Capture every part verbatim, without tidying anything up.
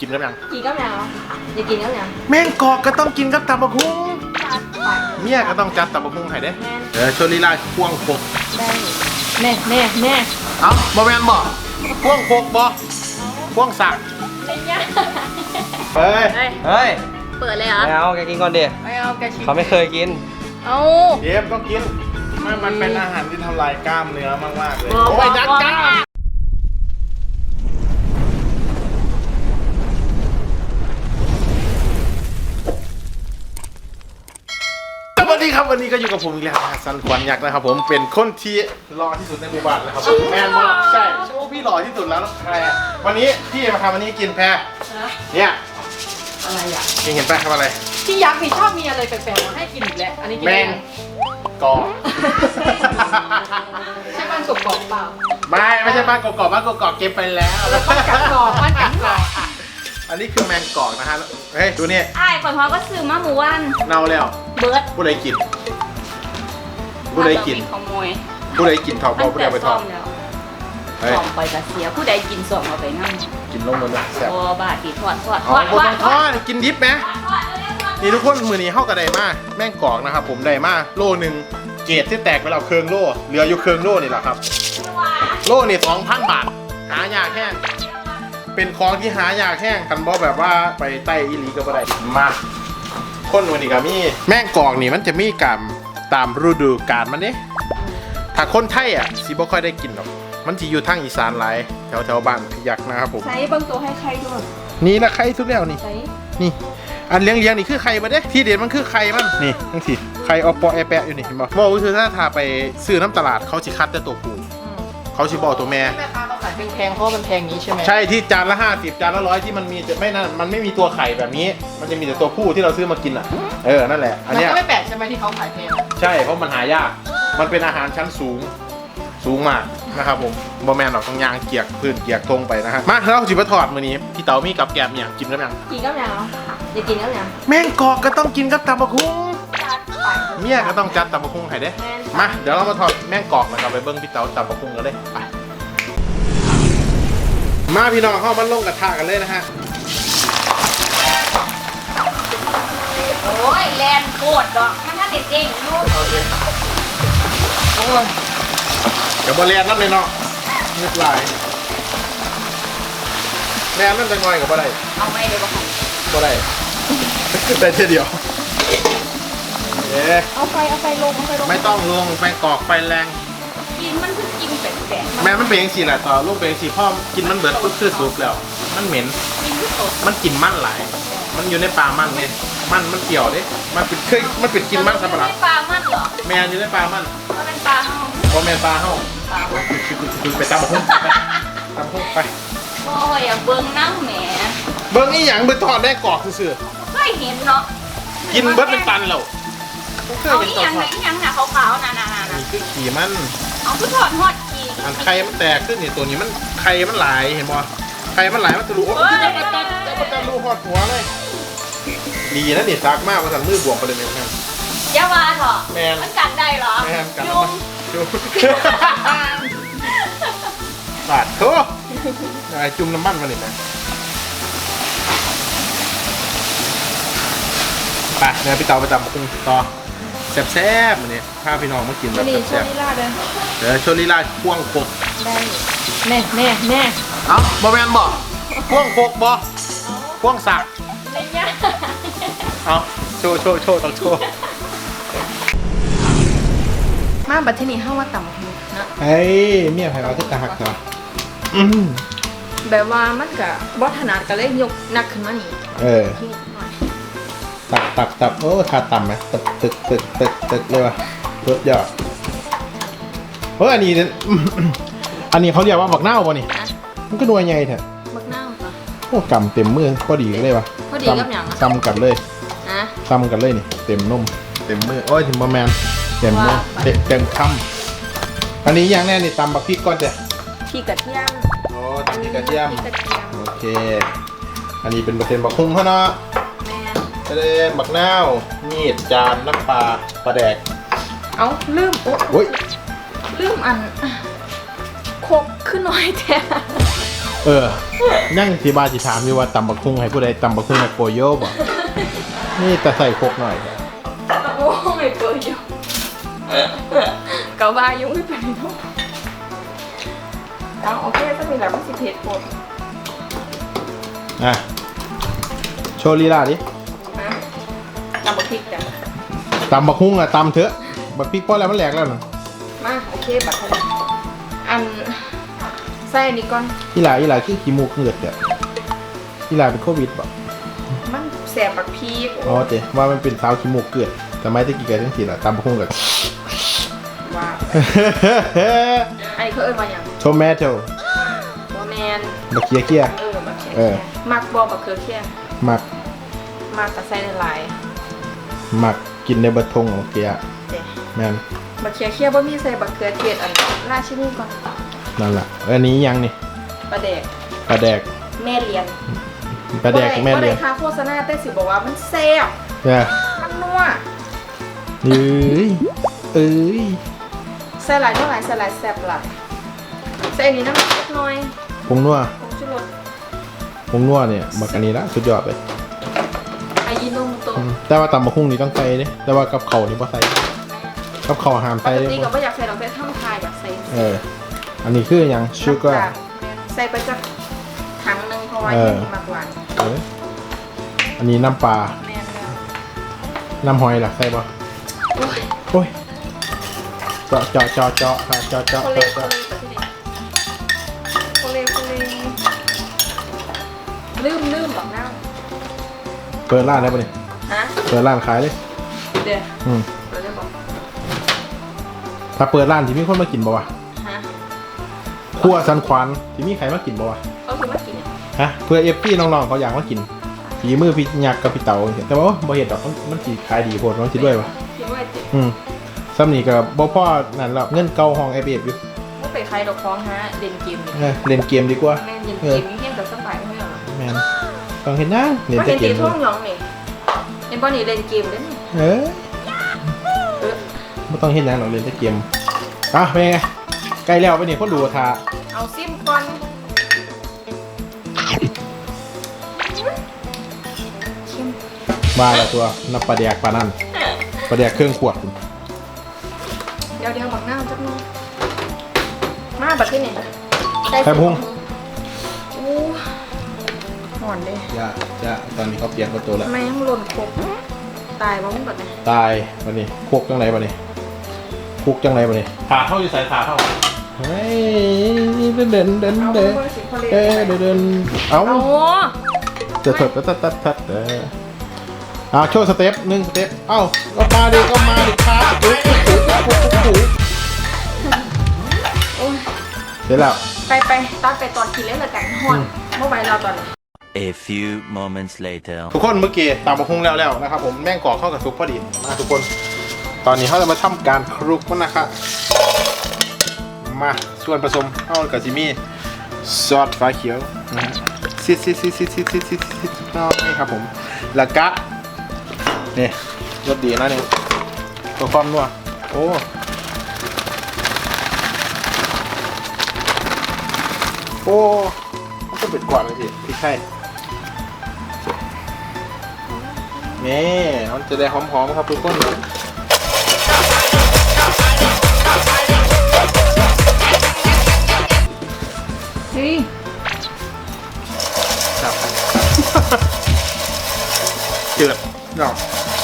กินกับยังกินกับยังอย่ากินกับยังแมงกอกก็ต้องกินกับตับบักหุ่งเมียก็ต้องจัดตับบักหุ่งให้เด้เออโชลีลาพ่วงโคกได้แม่แม่แม่เอ้าบ่แม่นบ่พ่วงโคกบ่พ่วงสักเฮ้ยเฮ้ยเปิดเลยเหรอไม่เอาแกกินก่อนดิไม่เอาแกชิมเขาไม่เคยกินเอาเย็บต้องกินมันมันเป็นอาหารที่ทำลายกล้ามเนื้อมากๆเลยโอ้ยดัดกล้ามสวัสดีครับวันนี้ก็อยู่กับผมอีกแล้วสันขวัญยักษ์นะครับผมเป็นคนที่หล่อที่สุดในหมู่บ้านแล้วครับแมนมากใช่ใช่ว่าพี่หล่อที่สุดแล้วนะใครอ่ะวันนี้พี่มาทำวันนี้กินแพรเนี่ยอะไรอ่ะกินเห็นแพรทำอะไรพี่ยักษ์พี่ชอบมีอะไรแปลกๆมาให้กินอีกแล้วอันนี้กินแมงกอกใช่บ้านกกอกเปล่าไม่ไม่ใช่บ้านกอกบ้านกอกเก็บไปแล้วบ้านกัดกอกบ้านกัดกอกอันนี้คือแมงกอกนะฮะเฮ้ยดูนี่ไอ้คนพ่อก็ซื้อมาหมู่วันเน่าแล้วเบิร์ดผู้ใดกินผู้ใดกินขโมยผู้ใดกินทองผู้ใดไปทองทองไปกระเสียผู้ใดกินส่งเอาไปนั่งกินลงมันเลยแซ่บโอ้บาดตีทอดทอดทอดทอดทอดกินดิบไหมนี่ทุกคนมือนี้เข้ากระไดมาแม่งกอกนะครับผมได้มาโลหนึ่งเกรดที่แตกไปแล้วเครื่องโลเหลืออยู่เครื่องโลนี่แหละครับโลนี่สองพันบาทหายากแห้งเป็นของที่หายากแห้งกันบ่แบบว่าไปใต้อีหลีก็บ่ได้มาคนวันนี้ก็มีแม่งกอกนี่มันจะมีกรรมตามฤดูกาลมันเนี่ยถ้าคนไทยอ่ะสิบ่ค่อยได้กินหรอกมันจะอยู่ทางอีสานหลายแถวแถวบ้านพยักนะครับผมใส่บางตัวให้ใครด้วยนี่ละไข่ทุกแล้วนี่นี่อันเลี้ยงเลี้ยงนี่คือไข่มาเด้ที่เด็ดมันคือไข่มันนี่ทั้งสี่ไข่อปอแอแปะอยู่นี่เห็นบ่บอกว่าคือถ้าทาไปซื้อน้ำตลาดเขาสิคัดแต่ตัวผู้เขาสิบอกตัวแม่แม่ค้าเขาขายแพงๆเพราะมันแพงนี้ใช่ไหมใช่ที่จานละห้าสิบจานละร้อยที่มันมีจะไม่นั่นมันไม่มีตัวไข่แบบนี้มันจะมีแต่ตัวผู้ที่เราซื้อมากินอ่ะเออนั่นแหละอันนี้ก็ไม่แปลกใช่ไหมที่เขาขายแพงใช่เพราะมันหายากมันเป็นอาหารชั้นสูงสูงมากนะครับผมบอแมนหรอกต้องยางเกียกพื้นเกียกทงไปนะฮะมาเราจิบะถอดมือนี้พี่เต๋ามีกับแกมอย่างกินกับยังกินกับยังอย่ากินกับยังแมงกอกก็ต้องกินกับตับบักหุ่งเมียก็ต้องจัดตับบักหุ่งให้เด้มาเดี๋ยวเรามาถอดแมงกอกนะครับไปเบิ้งพี่เต๋าตับบักหุ่งกันเลยไปมาพี่น้องเข้ามาลงกระทะกันเลยนะฮะโอ้ยแลนโคตรดอกมันถ้าเด็ดเองลูกโอ้ยเดี๋ยวบอลแลนนั่นเลยเนาะนึกลายแลนนั่นจะง่อยกับบ่ได้เอาไม่เลยบ่ค่ะบ่ได้ได้แค่เดียวเอ๊ะเอาไฟเอาไฟลงเอาไฟลงไม่ต้องลงไฟกอกไฟแรงกินมันคือกินแปลกๆแม่มันเป็นอย่างสีแหละต่อลูกเป็นอย่างสีพ่อกินมันเบิดปุ๊บคือสุกแล้วมันเหม็นมันกลิ่นมันหลายมันอยู่ในปลามันไงมันมันเกี่ยวดิมันเป็นเคยมันเป็นกินมันสับปะรดปลามันเหรอแม่อยู่ในปลามันมันเป็นปลาเห่าพอแม่ปลาเห่าไปตามพุ่งไปตามพุ่งไปโอ้ยอย่าเบิ้งนั่งแหมเบิ้งนี่อย่างเบิ้งทอดได้กรอกซื่อเคยเห็นเนาะกินเบิ้งเป็นตันแล้วเอาอีหยังอีหยังหนาขาวๆน่ะน่ะน่ะนี่คือขี่มันเอาคือถอดหอดขี่อันไข่มันแตกขึ้นนี่ตัวนี้มันไข่มันหลายเห็นบ่ไข่มันหลายมันทะลุโอ้ยจะมาตัดจะมาตัดรูหอดหัวเลยดีนะนี่ซักมากว่าสั่นมือบวกไปเลยแม่ยาวาเหรอแมนมันกัดได้เหรอแมนกัดยุ่งบาดโถจุ่มน้ำมันมาเลยนะไปเดี๋ยวพี่เต๋าไปตำกุ้งต่อแซ่บๆมันนี่พาพี่น้องมากินแบบแซ่บๆเดี๋ยวโชลิล่าพ่วงโคกได้แม่แม่แม่เอ้าบอแมนบ่พ่วงโคกบ่พ่วงสักเอาโชว์โชว์โชว์ต้องโชว์มาบัดที่นี่ห้าว่าต่ำหูนะเฮ้ยเมียไผ่เราที่ตาหักเหรอแบบว่ามันกับบอถนัดก็เลยยกนักขึ้นมานี่เออตับตับตับโอ้ขาต่ำไหมตึกตึกตึกตึกตึกเลยวะรถยอดเฮ้ยอันนี้อันนี้เขาเรียกว่าบักเน่าป่ะนี่มันก็นัวใหญ่แท้บักเน่าป่ะโอ้กำเต็มมือพอดีเลยวะพอดีกับอย่างซ้ำกันเลยนะซ้ำกันเลยนี่เต็มนุ่มเต็มมือโอ้ยถึงประมาณเต็มมือเต็มคำอันนี้อย่างแน่นี่ตำบักพริกก่อนเด้อพริกกระเทียมโอ้ตำพริกกระเทียมโอเคอันนี้เป็นเปอร์เซ็นต์บักคุ้งเขาเนาะเล่นบักนาวมีดจานน้ำปลาปลาแดกเอาลืมโอ้ยลืมอันโคกขึ้นน้อยแท้เออนั่งที่บ้านสิถามอยู่ว่าตำบักหุ่งให้ผู้ใดตำบักหุ่งให้โปโยบ่นี่แต่ใส่โคกหน่อยตะโก้ไม่เปิดอยู่เกาบายุ่งไม่เป็นไรทุกเอาโอเคถ้ามีแบบมันสิเพจหมดอ่ะโชว์ลีลาดินะตำบักพริกกันตำบักหุ่งอะตำเถอะบักพริกพอแล้วมันแหลกแล้วนะมาโอเคบัตรคะแนนอันใส่อันนี้ก่อนอีหลาอีหลาคือขี้มูกเหงือดเนี่ยอีหลาเป็นโควิดป่ะมันแสบบักพริกอ๋อเจ๊ว่ามันเป็นสาวขี้มูกเกลือดแต่ไม่ได้กี่กันทั้งสี่ละตำบักหุ่งกับว่าไอ้เขาเอ่ยมาอย่างโทแมโต้โมแมนบักเคียเคียเออบักเขือเออมักบอบักเขือเคี่ยหมักมักกับใส่ในลายหมักกินในบัตทงของเกียเจ๊แมนบักเขือเคี่ยบ่มีใส่บักเขือเทศอันราชินีก่อนนั่นแหละอันนี้ยังนี่ปลาแดกปลาแดกแม่เลียนปลาแดกแม่เลี้ยงบ่ได้ค่าโฆษณาแต่สิบอกว่ามันแซ่บเนี่ยมันนัวเอ้ยเอ้ยใส่หลายเท่าไหร่ใส่หลายแซ่บหลายใส่อันนี้น้ำมันเล็กน้อยผงนัวผงชูรสผงนัวเนี่ยบักอันนี้ละสุดยอดเลยอายิโนโมโตะอืมแต่ว่าตำบักหุ่งนี่ต้องใส่เด้แต่ว่ากับเขาวนี่บ่ใส่กับเขาวห้ามปใส่กเด้ติก็ไม่อยากใส่ดอกเบี้ยท่ามทายอยากใส่เอออันนี้คืออย่างชูการ์น้ำตาลใส่ไปจากถังหนึงเพราะว่าเออแค่นี้มากหวานเอออันนี้น้ำปลาแม่นแล้วน้ำหอยล่ะใส่บ่โอ้ยโอ้ยเจาะเจาะเจาะเจาะค่ะเจาะเจาะโคเลเจาะโคเลโคเลโคเลลืมลืมบอกน้าเปิดร้านได้ปะเนี่ยฮะเปิดร้านขายเลยเดี๋ยวอืมเราจะบอกถ้าเปิดร้านที่มีคนมากินบ่วะฮะครัวสันขวานที่มีใครมากินบ่วะก็คือมากินเนี่ยฮะเพื่อเอฟพี่น้องๆเขาอยากมากินฝีมือพี่ยักษ์กับพี่เต๋าแต่ว่าบ่เห็นดอกมันมันสิขายดีโพดมันสิด้วยวะคิดว่าจิอืมซ้ำนี่ก็บ่พอนั่นหรอกเงินเก่าห้องไอเบฟอยู่ไม่ไปใครดอกคล้องฮะเล่นเกมเออเล่นเกมดีกว่าแม่เล่นเกมนี่เที่ยงกับสบายไม่หรอกแม่นต้องเห็นนะเล่นก็แต่เห็นเกตีมท่วงน้องนี่เอ็นบอนี่เล่นเกมด้วยนี่เออเออบ่ต้องเห็นหยังหรอกเล่นแต่เกมอ่ะเป็นไงใกล้แล้วไปนี่คนดูท่าเอาซิมก่อนมาแล้วตัวนับปลาแดกปลานั่นปลาแดกเครื่องขวดเดี๋ยวเดี๋ยวบักหน้าจักหน่อยมาบัดที่นี่ได้แค่พุงโอ้หอนเลยอย่าอย่าตอนนี้เขาเปลี่ยนประตูแล้วแม่งหล่นครบตายบ้างแบบนี้ตายวันนี้คุกจังไรวันนี้คุกจังไรวันนี้ขาเท่าอยู่สายขาเท่าเฮ้ยเดินเดินเดินเอาเดินเบอร์สิคนเลยเดินเดินเดินเอาเอาจะถดตัดตัดตัดตัดเอออ่าโชว์สเต็ปหนึ่งสเต็ปเอ้าก็มาดิก็มาดิครับปุ๊บปุ๊บปุ๊บปุ๊บปุ๊บโอ้ยเสร็จแล้วไปไปตอนไปตอนกินเล่นละกันหอนเมื่อไหร่เราตอนนี้ A few moments later. ทุกคนเมื่อกี้ตามมาคุ้งแล้วแล้วนะครับผมแม่งกรอกเข้ากับซุปพอดีมาทุกคน ตอนนี้เขาจะมาทำการคลุกมันนะครับมาส่วนผสมเข้ากับจิมี่ซอสฟ้าเขียวนะฮะซิดซิดซิดซิดซิดซิดซิดซิดน้อยครับผมแล้วก็นี่รสดีนะนี่ตัวความนัวโอ้โอ้มันก็เป็นกว่าเลยสิพริกไทยนี่มันจะได้หอมๆครับทุกคนเฮ้ยครับเจืดเนาะ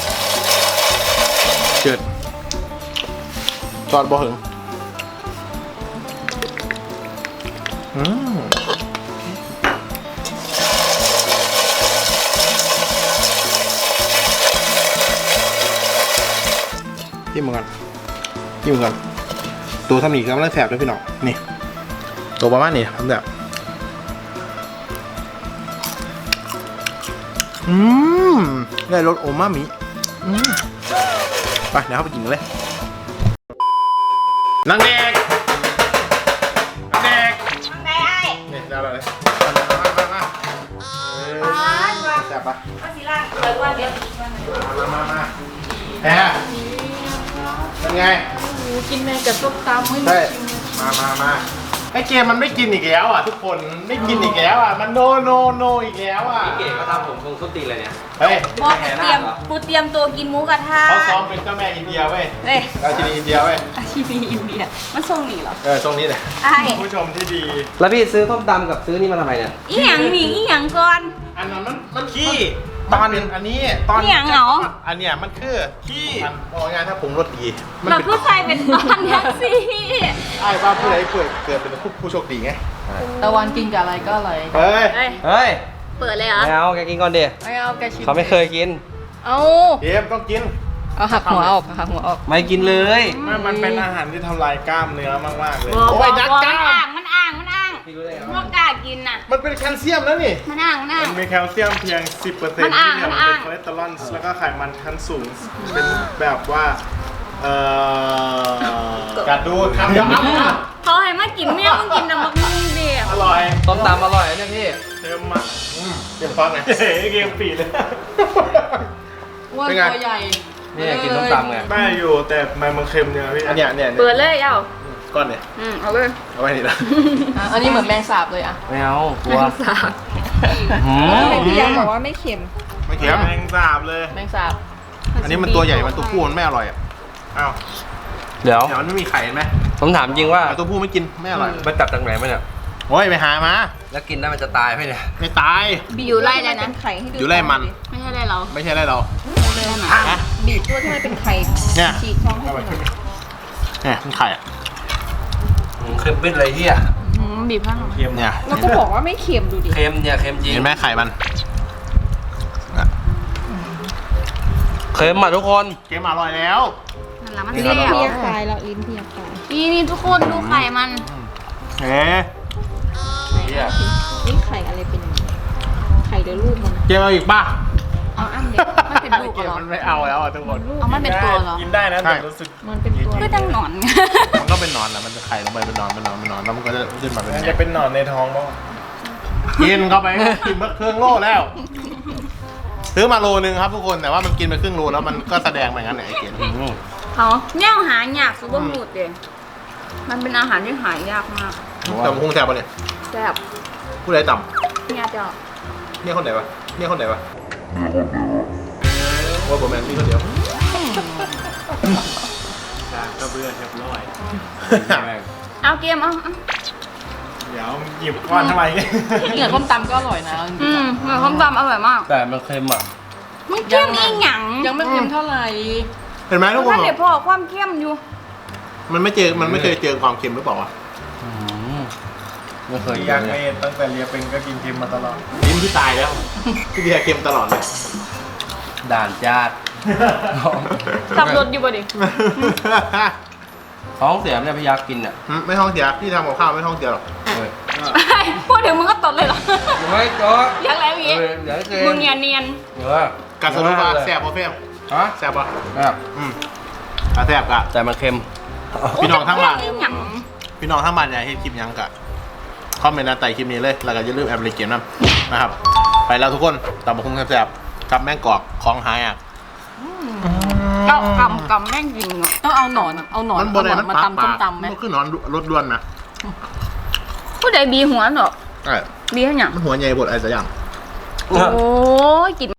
เจืดจอดบ่ถึงอืมจิ้มมันกันจิ้มมันกันตัวทำหนีกำลังแสบด้วยพี่น้องนี่ตัวประมาณนี้ทำแบบ อืมได้รสโอมามิอืมไปเดี๋ยวเข้าไปกินกันเลยนางแดกนางแดกทำไงไอ้นี่ได้แล้วเลยมามามาเออแซ่บปะมาสิล่างเลยว่าเดี๋ยวอีกวันหนึ่งมามามาแพ้เป็นไงโอ้โหกินแม่กับส้มตำไม่ได้กินมามามาไอเกมมันไม่กินอีกแล้วอ่ะทุกคนไม่กินอีกแล้วอ่ะมันโนโนโนอีกแล้วอ่ะพี่เก๋ก็ทำผมคงส้นตีนเลยเนี่ยเฮ้ยบอกเตรียมกูเตรียมตัวกินหมูกระทะเขาซ้อมเป็นเจ้าแม่อินเดียเว้ยเฮ้ยราชินีอินเดียเว้ยอาชีพอินเดียมันทรงนี่เหรอเออตรงนี้แหละไอ้ผู้ชมที่ดีแล้วพี่ซื้อส้มตำกับซื้อนี่มาทำไมเนี่ยอีหยังมีอีหยังก่อนอันนั้นมันมันขี้ตอนอันนี้ตอนอีหยังเหรออันเนี้ยมันคือขี้มันบอกง่ายๆถ้าผมรสดีมันเราเป็นผู้ชายเป็นตอนแท็กซี่ไอ้บ้าผู้ใดเกิดเกิดเป็นผู้ผู้โชคดีไงตะวันกินกับอะไรก็อร่อยเฮ้ยเฮ้ยเฮ้ยเปิดเลยเหรอไม่เอาแกกินก่อนดิไม่เอาแกชิมเขาไม่เคยกินเอาเกมต้องกินเอาหักหัวออกหักหัวออกไม่กินเลยมันเป็นอาหารที่ทำลายกล้ามเนื้อมากๆเลยบอกโอ้บยอกนักบอกกล้ามันอ่างมันอ่างมันอ่างพี่รู้ได้ไงพวกกล้ากินน่ะมันเป็นแคลเซียมแล้วนี่มันอ่างมันอ่างมันมีแคลเซียมเพียง สิบเปอร์เซ็นมัต์นอ่าที่งเหลือมันมันอ่างเป็นคอเลสเตอรอลแล้วก็ไขมันชั้นสูง เป็นแบบว่า เอ่อกัดดูคำเดียวอ้ำเขาให้มากินแม่มึงกินน้ำมันมึงเดียวอร่อยส้มตำอร่อยนะเนี่ยพี่เค็มอ่ะอืมเตรียมฟังไงเฮ้ยเกมปีเลยอ้วนเป็นไงตัวใหญ่นี่อยากกินส้มตำไงได้อยู่แต่มันมันเค็มเนี่ยพี่อันเนี้ยเนี่ยเปิดเลยเอ้าก้อนเนี่ยอืมเอาเลยเอาไว้นี่ละอ่ะอันนี้เหมือนแมงสาบเลยอ่ะไม่เอากลัวสาบหืมพี่ยังบอกว่าไม่เค็มไม่เค็มแมงสาบเลยแมงสาบอันนี้มันตัวใหญ่มันตัวผู้มันไม่อร่อยอ่ะอ้าวเดี๋ยวเนี่ยมันไม่มีไข่เห็นไหมผมถามจริงว่าแต่ตัวผู้ไม่กินไม่อร่อยไปจับจากไหนมาเนี่ยโอ้ยไปหามาแล้วกินได้มันจะตายไหมเนี่ยไม่ตายบีอยู่ไล่เลยนะเป็นไข่ให้ดูอยู่ไล่มันไม่ใช่ไล่เราไม่ใช่ไรเราอ่ะบีบตัวที่มันเป็นไข่เนี่ยฉีกท้องให้ดูหน่อยเนี่ยมันไข่อ่ะอืมเค็มปิดเลยเฮียอืมบีบข้างหลังเนี่ยแล้วก็บอกว่าไม่เค็มดูดิเค็มเนี่ยเค็มจริงเห็นไหมไข่มันเค็มอ่ะทุกคนเกมอร่อยแล้วนั่นแหละมันลิ้เสีนยเพี้เพียคายแล้วลิ้นเพียคายนี่นี่ทุกคนดูไข่มันเอ๊ะเฮียนี่ไข่อะไรเป็นยังไงไข่เดี๋ยวลูกมันเกมเอาอีกป่ะเอาอันเด็กมันเป็นลูกเกเหมรอมันไม่เอาแล้วอ่ะทุกคนเอามันเป็นตัวเหรอกินได้นะใช่แต่รู้สึกมันเป็นตัวก็จังหนอนมันก็เป็นนอนแหละมันจะไข่ลงไปเป็นนอนเป็นนอนเป็นนอนแล้วมันก็จะขึ้นมาเป็นมันจะเป็นหนอนในท้องบ้างกินเข้าไปกินเมื่อเครื่องโลแล้วซื้อมาโลนึงครับทุกคนแต่ว่ามันกินไปครึ่งโลแล้วมันก็แสดงไปงั้นแหละไอ้เกมอืมเขาแนวหายากสุดบหมุดเดยมันเป็นอาหารที่หายากมากแต่มันคงแซ่บปะเนี่ยแซ่บผู้ใดต่เนี่ยเจ้าำเนี่ยคนไหนวะเนี่ยคนไหนวะโอ้ยผมแมนมีคนเดียวจากกระเบือเรียบร้อยเอาเกมเอาเอาเดี๋ยวหยิบก้อนทำไมเนี่ยเหนือส้มตำก็อร่อยนะจริอืงมเหมือนข้าวตำอร่อยมากแต่มันเค็มอ่ะมันเข้มอีหยังๆยังไม่เค็มเท่าไหร่เห็นไหมทุกคนท่านเดี๋ยวพอความเข้มอยู่มันไม่เจอมันไม่เคยเจอความเค็มหรือเปล่าวะอืมไม่เคยกิอยาน กเลให้ยตั้งแต่เรียนเป็นก็กินเค็มมาตลอดลิ้นที่ตายแล้วที่เบียร์เค็มตลอดเลยด่านจาดสับรถอยู่บ่ดิท้องเสียเนี่ยพี่ยักษ์กินอ่ะหืมไม่ท้องเสียพี่ทำกับข้าวไม่ท้องเสียหรอกเฮ้ยพูดถึงมึงก็ตดเลยเหรอไม่ก็ยังแล้วอย่างงี้เออเดี๋ยวเค็มมึงอย่าเนียนเออกัดสรุปว่าแซ่บปะเฟมฮะแซ่บปะแบบอืมกะแซ่บกะแต่มันเค็มพี่น้องทั้งบ้านอีหยังพี่น้องทั้งบ้านอยากเห็นคลิปหยังกะคอมเมนต์ใต้คลิปนี้เลยแล้วก็อย่าลืมแอปพลิเคชันนะครับ ไปแล้วทุกคนตำบักหุ่งแซ่บๆกับแมงกอกของหายอ่ะเกากำกำแม่งจริงอ่ะต้องเอาหนอนเอาหนอนมันบเอานหไหนนอนมันมาปากตำส้ปาม กตำไหมมันคือหนอนรสด้วนนะผู้ใดบีหัวเหรอใช่บีให้หยังมันหัวใหญ่บดอะไรสักอย่างโอ้ยกิน